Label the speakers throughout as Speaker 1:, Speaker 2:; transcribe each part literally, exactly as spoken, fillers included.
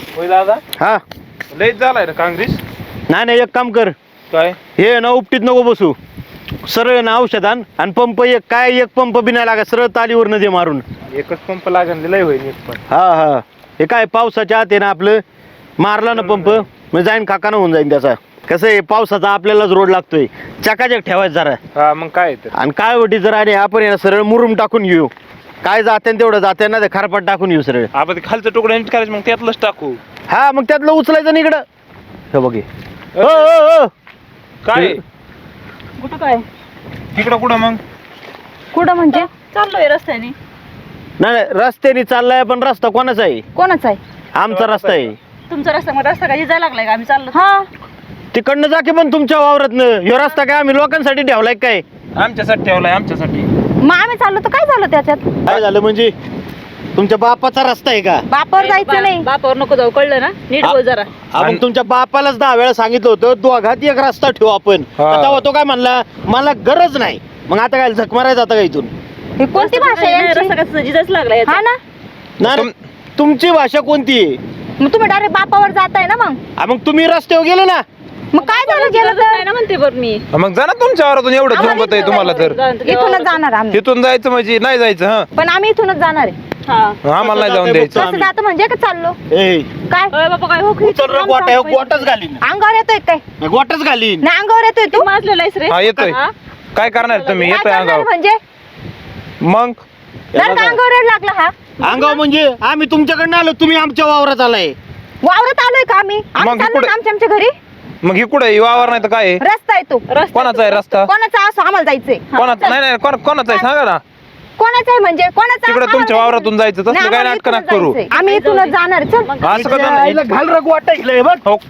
Speaker 1: होय दादा
Speaker 2: हा
Speaker 1: लयच झालाय ना काँग्रेस.
Speaker 2: नाही नाही एक काम कर
Speaker 1: काय
Speaker 2: हे ना उपटीत नको बसू सरळ ना औषध आण आणि पंप एक काय एक पंप बी नाही लागा सरळ तालीवर नदी मारून.
Speaker 1: एकच पंप लागेल लय होईल एक पण.
Speaker 2: हा हा हे काय पावसाच्या आत आहे ना आपलं मारला ना पंप मग जाईन काकानं होऊन जाईन त्याचा. कसं आहे पावसाचा आपल्यालाच रोड लागतोय चकाचक ठेवायचं जरा.
Speaker 1: हा मग काय तर
Speaker 2: आणि काय वटी जर आणि आपण आहे ना सरळ मुरुम टाकून घेऊ काय जाते तेवढं जाते ना ते खारपाट टाकून घेऊ सरळ.
Speaker 1: आपण ते खालचं तुकडं नीट करायचं मग त्यातलंच टाकू.
Speaker 2: हा मग त्यातलं उचलायचं ना इकडं हे बघे हो हो हो
Speaker 1: काय
Speaker 3: कुठं काय
Speaker 1: तिकडं कुठं मग
Speaker 3: कुठं म्हणजे चाललोय रस्त्याने.
Speaker 2: नाही नाही, रस्त्याने चाललाय पण रस्ता कोणाचा आहे?
Speaker 3: कोणाचा आहे?
Speaker 2: आमचा रस्ता आहे.
Speaker 3: तुमचा रस्ता मग रस्ता काय जायला लागलाय का आम्ही चाललो? हा
Speaker 2: तिकडनं जा की पण तुमच्या वावरातनं ह्यो रस्ता काय आम्ही लोकांसाठी ठेवलाय काय?
Speaker 1: आमच्यासाठी ठेवलाय आमच्यासाठी.
Speaker 3: मग आम्ही चाललो तर काय झालं त्याच्यात?
Speaker 2: काय झालं म्हणजे तुमच्या बापाचा रस्ता आहे का?
Speaker 3: बापावर जायचं नाही. बापावर नको जाऊ कळलं ना नीट बोल जरा.
Speaker 2: आपण तुमच्या बापालाच दहा वेळा सांगितलं होतं दोघात एक रस्ता ठेवू आपण.
Speaker 1: हा.
Speaker 2: तेव्हा तो काय म्हणला मला गरज नाही. मग आता काय झक मारायचं आता का इथून?
Speaker 3: ही कोणती भाषा आहे यांची? रस्ता कसं जिजच लागलाय हा ना.
Speaker 2: नाही नाही, तुमची भाषा कोणती आहे?
Speaker 3: मग तुम्ही डायरेक्ट बापावर जाताय ना मग.
Speaker 2: हा, मग तुम्ही रस्त्यावर गेले ना.
Speaker 3: मग काय झालं गेलं तर ना म्हणते बरं मी.
Speaker 1: मग जा ना तुमच्या वावरातून एवढं झोंबत आहे तुम्हाला तर.
Speaker 3: इथूनच जाणार आम्ही.
Speaker 1: तिथून जायचं म्हणजे नाही जायचं हा.
Speaker 3: पण आम्ही इथूनच जाणार आहे. हा
Speaker 1: आम्हाला नाही जाऊन द्यायचं.
Speaker 3: कसं जातं म्हणजे का चाललो?
Speaker 2: ए
Speaker 3: काय बाबा काय हो
Speaker 2: उचल रे गोटा ह्यो गोटाच घालीन.
Speaker 3: अंगावर येतोय काय?
Speaker 2: गोटाच घालीन.
Speaker 3: नाही अंगावर येतोय तू माजलेला आहेस रे.
Speaker 1: हा येतोय. काय करणार तुम्ही?
Speaker 3: काय
Speaker 1: येतोय
Speaker 3: करणार
Speaker 1: अंगावर
Speaker 3: म्हणजे
Speaker 1: मग
Speaker 3: जर का अंगावर येड लागला हा
Speaker 2: अंगाव म्हणजे आम्ही तुमच्याकडनं आलो तुम्ही आमच्या वावरात आलाय.
Speaker 3: वावरत आलोय का आम्ही आम्ही
Speaker 1: मग
Speaker 3: चाललो
Speaker 1: इकडे-
Speaker 3: ना आमच्या आमच्या घरी.
Speaker 1: मग ही कुठे वावर नाही तर काय आहे?
Speaker 3: रस्ता आहे तो.
Speaker 1: कोणाचा आहे रस्ता?
Speaker 3: कोणाचा असो आम्हाला जायचंय.
Speaker 1: कोणाचा नाही नाही कोण- कोणाचा आहे सांगा ना.
Speaker 3: कोणाचा आहे म्हणजे कोणाचा
Speaker 1: तिकडे
Speaker 3: असो
Speaker 1: तुमच्या
Speaker 3: आम्हाला
Speaker 1: वावरातून जायचं
Speaker 3: नाही,
Speaker 1: तसलं काय
Speaker 3: आम्हाला
Speaker 1: नाटकं
Speaker 3: इथूनच
Speaker 1: नका करू.
Speaker 3: जायचंय. आम्ही इथूनच जाणार चल.
Speaker 1: असं कसं
Speaker 2: हिला घाल रे गोटा इथलं बघ.
Speaker 1: हो.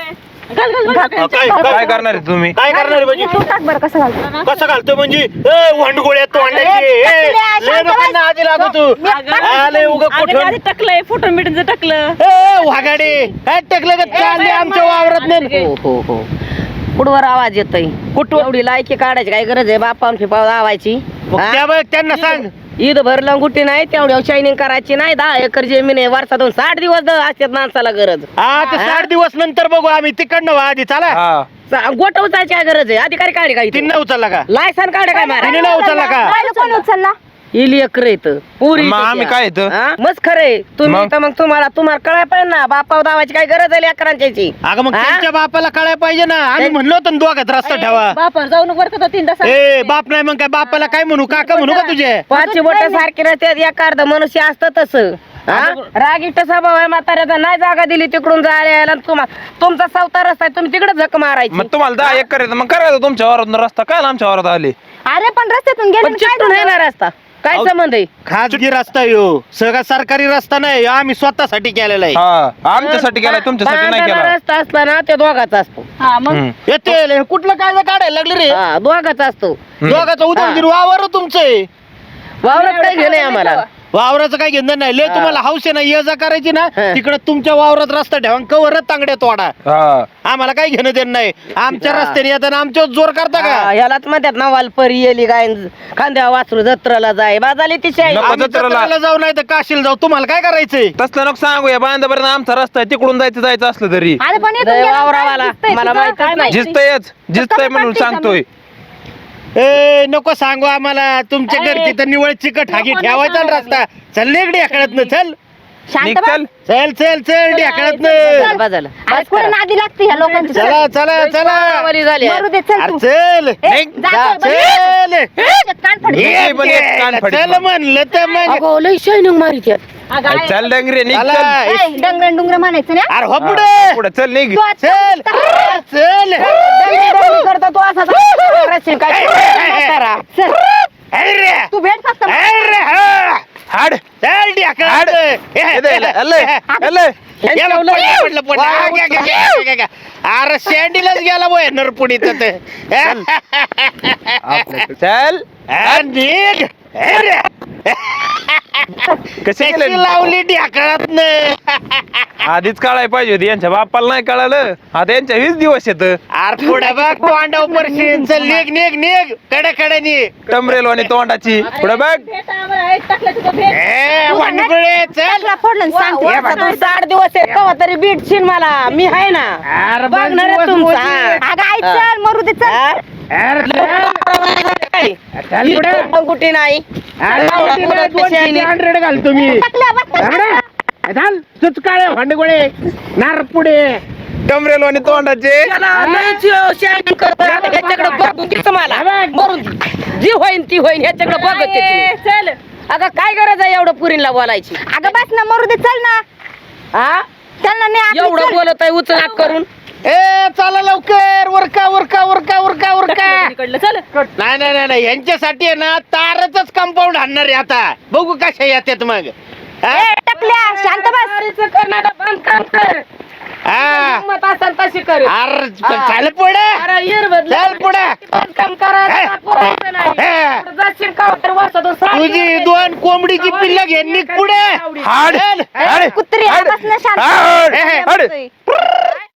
Speaker 3: घाल, घाल, घाल.
Speaker 2: हा, काय
Speaker 1: काय करणार आहे तुम्ही?
Speaker 2: काय करणार आहे म्हणजे?
Speaker 3: तू टाक बरं कसं घालतो.
Speaker 2: कसं घालतो म्हणजे ए वंडगोळ्या तोंडाची ए, लय लोकांना आधी लागू तू आले उगा कुठून
Speaker 3: टाकलंय फोटो मिटून टाकलं.
Speaker 2: ए वाघाडे काय टाकलं का चालले आमच्या वावरात नाही.
Speaker 4: हो हो हो कुठवर आवाज येतोय कुठं एवढी लायकी काढायची काय गरज आहे बापान फिपाव लावायची
Speaker 2: त्या बघ त्यांना सांग
Speaker 4: ईद भरलं गुटी नाही तेवढ्या शायनिंग करायची नाही. दहा एकर जमीन आहे वर्षातून साठ दिवस द- असतात माणसाला गरज.
Speaker 2: हा ते साठ दिवस नंतर बघू आम्ही तिकडनं वा आधी चला.
Speaker 1: हा
Speaker 4: गोट उचायची काय गरज आहे अधिकारी काढे काय
Speaker 2: तीन उचलला का?
Speaker 4: लायसन काढे काय मारा
Speaker 2: तिने नाही उचलला का?
Speaker 3: नाही, कोण उचलला?
Speaker 4: इली एकर येत पुरी
Speaker 1: मग आम्ही काय येतं?
Speaker 4: मस्त खरे तुम्ही
Speaker 1: मग?
Speaker 4: तर मग तुम्हाला तुम्हाला कळाय पाहिजे ना बापाव दावाची काय गरज आहे लेकरांची.
Speaker 2: अगं मग
Speaker 4: हा?
Speaker 2: त्यांच्या बापाला कळायला पाहिजे ना. आम्ही म्हणलो होतो ना दोघात रस्ता ठेवा.
Speaker 3: बापावर जाऊ नको बरं का तो तीन तास.
Speaker 2: ए बाप नाही मग काय बापाला काय म्हणू काका म्हणू का तुझे?
Speaker 4: पाचशे बोट सारखी रस्त्यात एक अर्ध मनुष्य असतं तसं. रागिष्ट स्वभाव आहे म्हाताऱ्याचा नाही जागा दिली तिकडून जायला यायला तुम्हाला तुमचा चौथा रस्ता आहे तुम्ही तिकडे झक मारायची.
Speaker 1: मग तुम्हाला दहा एक करायचं मग करायचं तुमच्या वावरातून रस्ता काय आमच्या वावरात आले.
Speaker 3: अरे पण रस्त्यातून गेले
Speaker 4: पण चिकटून आहे ना रस्ता काय संबंध आहे?
Speaker 2: खाजगी रस्ता यो सगळा सरकारी रस्ता नाही ह्यो आम्ही स्वतःसाठी केलेला आहे.
Speaker 1: हा आमच्यासाठी केलाय तुमच्यासाठी नाही
Speaker 4: बांधायला
Speaker 1: केला.
Speaker 4: रस्ता असला ना ते दोघाचा असतो.
Speaker 3: हा मग
Speaker 1: हम्म.
Speaker 2: येते कुठलं काय काढायला लागले रे?
Speaker 4: हा दोघाचा असतो.
Speaker 2: दोघाचं उदाहरण दिलं वावर तुमचं आहे.
Speaker 4: वावरात काही घेणे आम्हाला
Speaker 2: वावराचं काय घेणं नाही लय तुम्हाला हौस आहे ना ये जा करायची ना
Speaker 4: हा.
Speaker 2: तिकडे तुमच्या वावरात रस्ता ठेवा कवरच तांगड्या तोडा.
Speaker 1: हा
Speaker 2: आम्हाला काही घेणं देणं नाही. आमच्या रस्त्याने येताना आमच्यावर जोर करता
Speaker 4: हा,
Speaker 2: का?
Speaker 4: ह्यालाच म्हणतात ना वालपरी येली गाय खांद्या वासरू जत्राला जाय बाजाली तिच्या
Speaker 1: नको.
Speaker 2: आम्ही
Speaker 1: जत्रेला.
Speaker 2: जत्रेला जाऊ नाही तर काशीला जाऊ तुम्हाला काय करायचंय?
Speaker 1: तसलं नको सांगूया बांधापर्यंत आमचा रस्ता आहे तिकडून जायचं जायचं असलं तरी
Speaker 3: अरे पण इथून
Speaker 4: जय
Speaker 3: गेल्यावर
Speaker 4: वावरावाला.
Speaker 3: काय दिसतंय
Speaker 4: मला
Speaker 3: तुझं?
Speaker 4: माहितच
Speaker 3: काय
Speaker 4: नाही.
Speaker 3: माहिती?
Speaker 1: जिस्तयच जिस्तय म्हणून सांगतोय.
Speaker 2: ए नको सांगू आम्हाला तुमच्या घरची तर निवळ चिकट हागी ठेवायचा ना रस्ता. चल लेकडे आकडत न चल
Speaker 3: शांत
Speaker 1: निघ
Speaker 3: बस.
Speaker 1: चल.
Speaker 2: चल चल चल ढेकळत न
Speaker 4: चल, बाजाला.
Speaker 3: अरे पुढे नादी लागते ह्या लोकांची.
Speaker 2: चला चला चला
Speaker 4: वावरी झाली
Speaker 3: मरू दे चल
Speaker 2: अरे
Speaker 3: तू.
Speaker 2: चल
Speaker 3: ए,
Speaker 1: निघ.
Speaker 3: जा,
Speaker 2: जा,
Speaker 3: चल, बस.
Speaker 2: चल
Speaker 3: ए, कान फडके.
Speaker 1: ये पण एक कान फडीत
Speaker 2: चल
Speaker 1: मग.
Speaker 2: म्हणलं तर मग
Speaker 4: अगो लय शायनिंग मारित
Speaker 3: अगं,
Speaker 1: अरे
Speaker 3: आहे.
Speaker 1: चल डंगरे निघ
Speaker 2: चला.
Speaker 1: चल.
Speaker 3: ए, डंगरं डुंगरं म्हणायचं ना.
Speaker 2: अरे हो
Speaker 1: हा,
Speaker 2: पुढे
Speaker 1: पुढे चल निघ.
Speaker 3: तू आता-
Speaker 2: चल चल
Speaker 4: करता तू असा रस्ते काय करा.
Speaker 3: चल.
Speaker 2: अरे
Speaker 3: तू भेट फक्त.
Speaker 2: अरे हा.
Speaker 1: हाड
Speaker 2: चल
Speaker 1: हाड
Speaker 2: ढेकळत अरे शेंडीलाच गेला बोय नरपुडीत
Speaker 1: चल
Speaker 2: निघ अरे
Speaker 1: कशी
Speaker 2: कशी
Speaker 1: केलं
Speaker 2: लावली ढ्याकळात
Speaker 1: आधीच कळाय पाहिजे होती यांच्या बापाला नाही कळालं आता यांच्या वीस दिवस येत
Speaker 2: अरे पुढे बघ तोंडाव परशीन चल निघ निघ निघ कडे कडे निघ
Speaker 1: टमरेल आणि तोंडाची पुढे बघ
Speaker 3: भेट आम्हाला एक टाकलं तुझं भेट
Speaker 2: ए वांडगुळे चल
Speaker 4: वर्षातून साठ दिवस आहे कवा तरी भेटशील मला मी आहे ना
Speaker 2: अरे बघ
Speaker 4: बघणार आहे
Speaker 2: दिवस
Speaker 4: तुमचा
Speaker 2: मोठी.
Speaker 4: अगं आई चल मरू दे चल कुठे नाही
Speaker 2: हंड्रेड घाल तुम्ही तुझ काय भांडगोळे नार पुढे
Speaker 1: टमरेल आणि तोंडाचे
Speaker 4: ह्याच्याकडे बघू दे तुम्हाला मरून दे. जी होईन ती होईन ह्याच्याकडे बघत
Speaker 3: ए,
Speaker 4: आहे
Speaker 3: चल
Speaker 4: अगं काय गरज आहे एवढं पुरीला बोलायची
Speaker 5: अगं बस ना मरू दे चल ना
Speaker 4: हा
Speaker 5: चल ना नाही आपली
Speaker 4: एवढं
Speaker 5: चल.
Speaker 4: बोलत आहे उचलाक करून
Speaker 2: ए चला लवकर उरका उरका उरका उरका उरका
Speaker 3: इकडलं चल
Speaker 2: नाही नाही नाही, नाही यांच्यासाठी आहे ना तारच कंपाऊंड आणणार आहे आता बघू कशा येतात मग हा?
Speaker 5: ए, टकल्या शांत बस
Speaker 4: करणारा बंद काम कर
Speaker 2: हा.
Speaker 4: हिंमत असेल तशी कर
Speaker 2: अरे पण चाल पुढे
Speaker 4: अरे येर बदल
Speaker 2: चल पुढे
Speaker 4: काम करायचं पुरायचं नाही
Speaker 2: हे.
Speaker 4: पुढं जाशील का तर वर्षातून साठ
Speaker 2: तुझी
Speaker 4: दिवस
Speaker 2: दोन कोंबडीची पिल्ल घे निघ पुढे
Speaker 1: हाड
Speaker 2: चल.
Speaker 1: हाड
Speaker 5: कुत्री
Speaker 1: हाड.
Speaker 5: बस ना शांत
Speaker 1: हाड.
Speaker 2: हे, हे.
Speaker 1: हाड.